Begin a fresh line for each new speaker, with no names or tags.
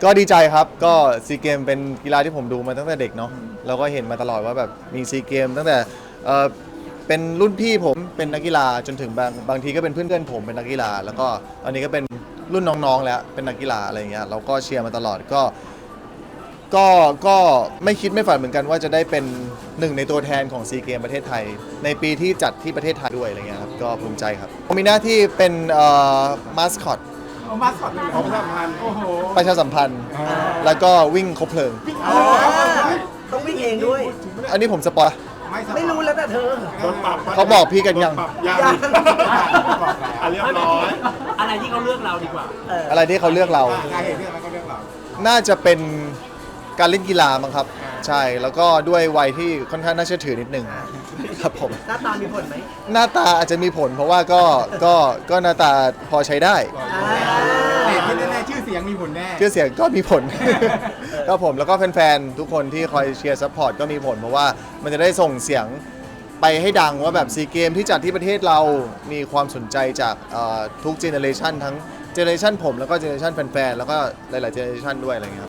ก็ดีใจครับก็ซีเกมเป็นกีฬาที่ผมดูมาตั้งแต่เด็กเนาะเราก็เห็นมาตลอดว่าแบบมีซีเกมตั้งแต่เป็นรุ่นพี่ผมเป็นนักกีฬาจนถึงบางทีก็เป็นเพื่อนผมเป็นนักกีฬาแล้วก็ตอนนี้ก็เป็นรุ่นน้องๆแล้วเป็นนักกีฬาอะไรเงี้ยเราก็เชียร์มาตลอดก็ไม่คิดไม่ฝันเหมือนกันว่าจะได้เป็นหนึ่งในตัวแทนของซีเกมประเทศไทยในปีที่จัดที่ประเทศไทยด้วยอะไรเงี้ยครับก็ภูมิใจครับผมมีหน้าที่เป็นมาสคอต
เอามาสอดเลยของสำคัญโอ้โห
ประชาสัมพันธ์แล้วก็วิ่งคบเพลิง
ต้องวิ่งเองด้วย
อันนี้ผมสปอย
ไม่รู้แล้วแต่เธอ
โดนปรับ
เขาบอกพี่กันยัง
ยังเรียบร้อย
อะไรที่เขาเลือกเราดีกว่า
อะไรที่เขาเลือกเรา
ใครเห็นเรื่องอะไรก็เรื่องเรา
น่าจะเป็นการเล่นกีฬามั้งครับใช่แล้วก็ด้วยวัยที่ค่อนข้างน่าเชื่อถือนิดนึงครับผม
หน้าตามีผลไหม
หน้าตาอาจจะมีผลเพราะว่าก็หน้าตาพอใช้ได้
แต่ที่แน่ๆชื่อเสียงมีผลแน่
ชื่อเสียงก็มีผลก็ผมแล้วก็แฟนๆทุกคนที่คอยเชียร์ซัพพอร์ตก็มีผลเพราะว่ามันจะได้ส่งเสียงไปให้ดังว่าแบบซีเกมที่จัดที่ประเทศเรามีความสนใจจากทุกเจเนอเรชันทั้งเจเนอเรชันผมแล้วก็เจเนอเรชันแฟนๆแล้วก็หลายๆเจเนอเรชันด้วยอะไรเงี้ย